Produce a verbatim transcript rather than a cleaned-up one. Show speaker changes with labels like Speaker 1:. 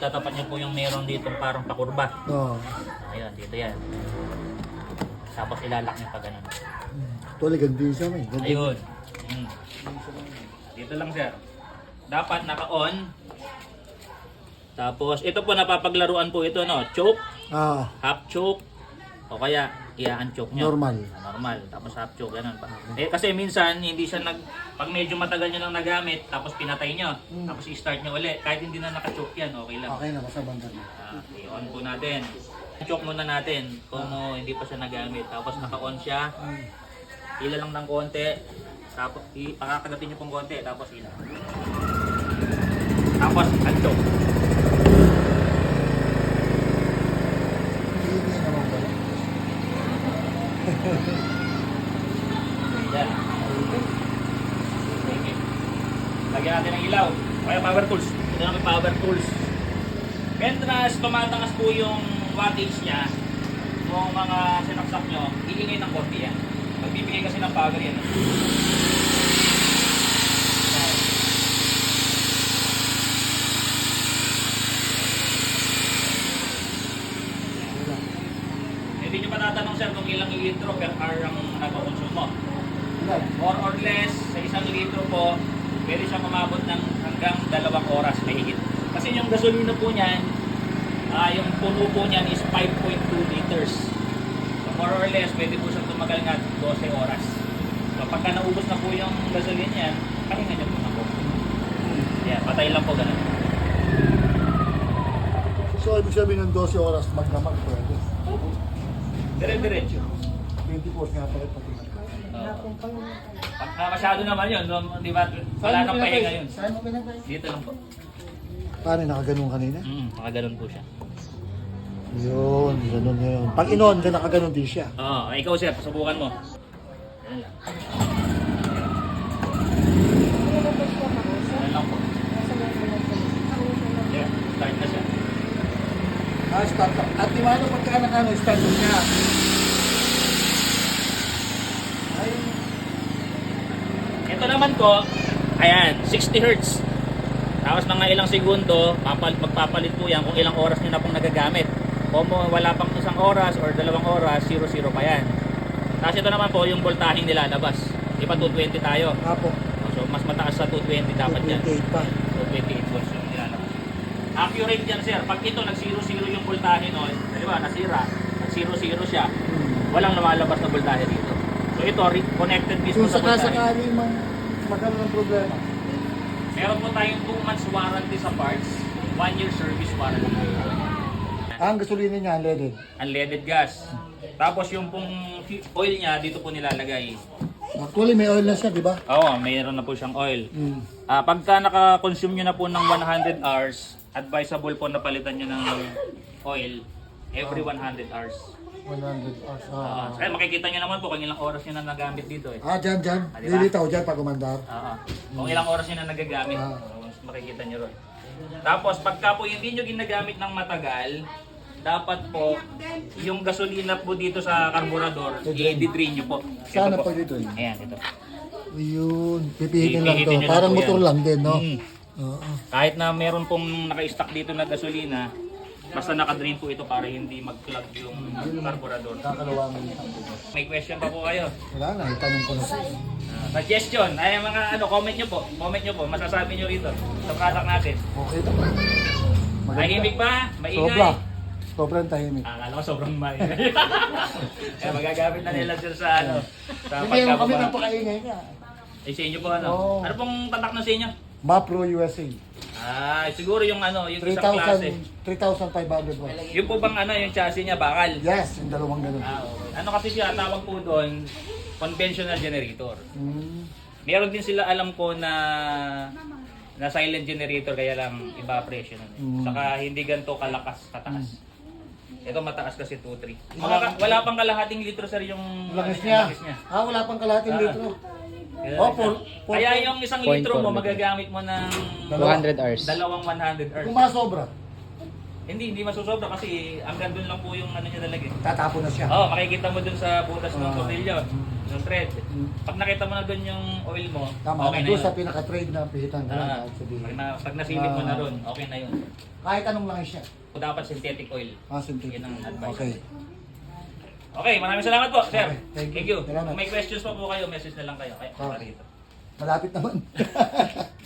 Speaker 1: itatapat niyo po yung meron dito parang pakurba.
Speaker 2: Oo.
Speaker 1: Ayun, dito yan. Tapos ilalak niyo pa ganun.
Speaker 2: Tuloy, ganda siya, may. Ganda.
Speaker 1: Ayun. Mm. Dito lang sir. Dapat naka-on. Tapos ito po napapaglaruan po ito no, choke,
Speaker 2: Ah,
Speaker 1: half choke o kaya i-unchoke nyo.
Speaker 2: normal.
Speaker 1: Ah, normal. Tapos half choke ganun pa. Eh kasi minsan hindi siya nag pag medyo matagal niyo nang nagamit tapos pinatay niyo,
Speaker 2: Mm.
Speaker 1: tapos i-start niyo ulit. Kahit hindi na naka-choke yan, okay lang.
Speaker 2: Okay na, basta banda na.
Speaker 1: Ah, i-on po natin. Choke muna natin kung uh, hindi pa siya nagamit. Tapos naka-on siya. Ila lang ng konti. Tapos ipakakagatin niyo pong konti tapos ila. Tapos unchoke.
Speaker 2: Hindi naman ba?
Speaker 1: Yan. Okay. Lagyan natin ng ilaw. Kaya power tools. Ito na may power tools. Mentras tumatangas po yung wattage niya, yung mga sinaksak nyo, iingay ng konti yan. Magbibigay kasi ng power yan. Hindi nyo pa tatanong sir kung ilang litro per hour ang nagpakonsumo. More or less, sa isang litro po, pwede siyang umabot ng hanggang dalawang oras mahigit. Kasi yung gasolina po niyan, ah, yung puno po niyan is five point two liters. So more or less, pwede po siyang tumagal nga twelve oras. So pagka naubos na po yung gasolina niyan, pahinga niyo po na po. Yeah, patay lang po ganun.
Speaker 2: So, ibig sabihin ng twelve oras, magdamag pwede.
Speaker 1: Dire-diretso.
Speaker 2: twenty-four nga pala pati.
Speaker 1: Pagka masyado naman yun, no, di ba? Wala nang pahinga yun.
Speaker 2: Saan mo pinagay?
Speaker 1: Dito lang po.
Speaker 2: Paano, nakaganon kanina?
Speaker 1: Mm, nakaganon po siya.
Speaker 2: Yun, ganun na yun. Pag inon ka, nakaganon din siya.
Speaker 1: Oo, ikaw sir, subukan mo. Ganun lang. Ganun lang po. Yeah, start na siya.
Speaker 2: Ah, start up. At di mano pagka nakano, start up niya. Ay,
Speaker 1: Ito naman po, ayan, sixty hertz. Tapos mga ilang segundo, papal, magpapalit po yan kung ilang oras nyo na pong nagagamit. Kung wala pang isang oras or dalawang oras, zero zero pa yan. Tapos ito naman po, yung voltaheng nilalabas. Di ba two twenty tayo?
Speaker 2: apo.
Speaker 1: So mas mataas sa two twenty dapat yan.
Speaker 2: twenty-eight pa.
Speaker 1: two twenty-eight volts yung nilalabas. Accurate yan sir. Pag ito nag zero zero yung voltahe no, di ba, nasira, nag zero zero siya,
Speaker 2: Hmm.
Speaker 1: walang lumalabas na voltahe dito. So ito, connected mismo
Speaker 2: Kung
Speaker 1: sa voltahe.
Speaker 2: sakasakali mang magkaroon ng problema.
Speaker 1: Meron po tayong two months warranty sa parts, one year service warranty.
Speaker 2: Ang gasolina niya, unleaded.
Speaker 1: Unleaded gas. Tapos yung pong oil niya, dito po nilalagay.
Speaker 2: Actually, may oil na siya, di ba?
Speaker 1: Oo, mayroon na po siyang oil.
Speaker 2: Hmm.
Speaker 1: Ah, pagka naka-consume nyo na po ng one hundred hours, advisable po na palitan nyo ng oil every one hundred hours.
Speaker 2: one hundred hours.
Speaker 1: Ah,
Speaker 2: Ah,
Speaker 1: kaya makikita nyo naman po kung ilang oras nyo na nagamit dito eh.
Speaker 2: ah dyan, dyan.
Speaker 1: Ah, di ba?
Speaker 2: Lilitaw dyan pag umandar.
Speaker 1: Oo. Kung ilang oras nyo na nagagamit,
Speaker 2: Ah.
Speaker 1: mas makikita nyo ron. Tapos pagka po hindi nyo ginagamit ng matagal, dapat po yung gasolina po dito sa karburador, i-drain nyo po.
Speaker 2: Sana
Speaker 1: Ito po.
Speaker 2: pag ito eh.
Speaker 1: Ayan, ito.
Speaker 2: Yun, pipihitin lang to.
Speaker 1: Pipihitin nyo lang
Speaker 2: Parang
Speaker 1: po
Speaker 2: motor
Speaker 1: yan.
Speaker 2: lang din, no?
Speaker 1: Mm.
Speaker 2: Oo.
Speaker 1: Kahit na meron pong naka-stock dito na gasolina, basta naka-drain po ito para hindi mag-clog yung karburador.
Speaker 2: Kakalawangin.
Speaker 1: May question pa po kayo?
Speaker 2: Wala na, itanong ko na siya.
Speaker 1: Ah, suggestion, ay mga ano, comment nyo po. Comment nyo po, masasabi nyo rito sa product natin.
Speaker 2: Okay ito.
Speaker 1: Tahimik ba? Maingay?
Speaker 2: Sobra. Sobrang tahimik.
Speaker 1: Ah, akala ko sobrang maingay. Kaya magagamit na nila dyan sa ano, sa
Speaker 2: Hindi mo kami
Speaker 1: pagkababa.
Speaker 2: napakaingay ka.
Speaker 1: Eh, sa inyo po ano?
Speaker 2: Oo.
Speaker 1: Ano pong tatak na sa inyo?
Speaker 2: Mapro U S A.
Speaker 1: Ah, siguro yung ano, yung isang klase.
Speaker 2: three thousand five hundred watts.
Speaker 1: Yung po bang ano, yung chassis niya, bakal?
Speaker 2: Yes, yung dalawang ganun.
Speaker 1: Ah, okay. Ano kasi siya, tawag po doon, conventional generator.
Speaker 2: Mm.
Speaker 1: Meron din sila alam ko na na silent generator kaya lang iba presyo nun.
Speaker 2: Mm.
Speaker 1: Saka hindi ganito kalakas, kataas. Ito mataas kasi two three. Wala, wala pang kalahating litro sir yung
Speaker 2: Langis
Speaker 1: ano,
Speaker 2: niya.
Speaker 1: langis niya.
Speaker 2: Ah, wala pang kalahating
Speaker 1: Ah.
Speaker 2: litro.
Speaker 1: Kaya,
Speaker 2: Oh, for- for-
Speaker 1: kaya yung isang
Speaker 3: point
Speaker 1: litro mo
Speaker 3: four
Speaker 1: magagamit mo ng
Speaker 2: Dalawa.
Speaker 3: two hundred hours.
Speaker 1: dalawang one hundred hours.
Speaker 2: Kung masobra,
Speaker 1: Hindi, hindi masusobra kasi hanggang doon lang po yung ano niya talaga. eh.
Speaker 2: tatapon na siya.
Speaker 1: Oh, makikita mo dun sa butas ng
Speaker 2: Ah.
Speaker 1: tornilyo. Yung thread. Pag nakita mo na doon yung oil mo,
Speaker 2: Tama,
Speaker 1: okay na
Speaker 2: doon
Speaker 1: yun.
Speaker 2: sa pinaka-trade na pihitan ka lang.
Speaker 1: Ah,
Speaker 2: kahit sabihin.
Speaker 1: pag, na, pag nasilip mo na
Speaker 2: Ah.
Speaker 1: ron, okay na yun.
Speaker 2: Kahit anong langis siya.
Speaker 1: O dapat synthetic oil.
Speaker 2: Ah, synthetic.
Speaker 1: Yun ang advice.
Speaker 2: Okay.
Speaker 1: Okay, maraming salamat po, sir.
Speaker 2: Okay, thank you.
Speaker 1: Thank you.
Speaker 2: Salamat.
Speaker 1: Kung may questions pa po kayo, message na lang kayo. Kaya,
Speaker 2: Okay.
Speaker 1: rito.
Speaker 2: Malapit naman.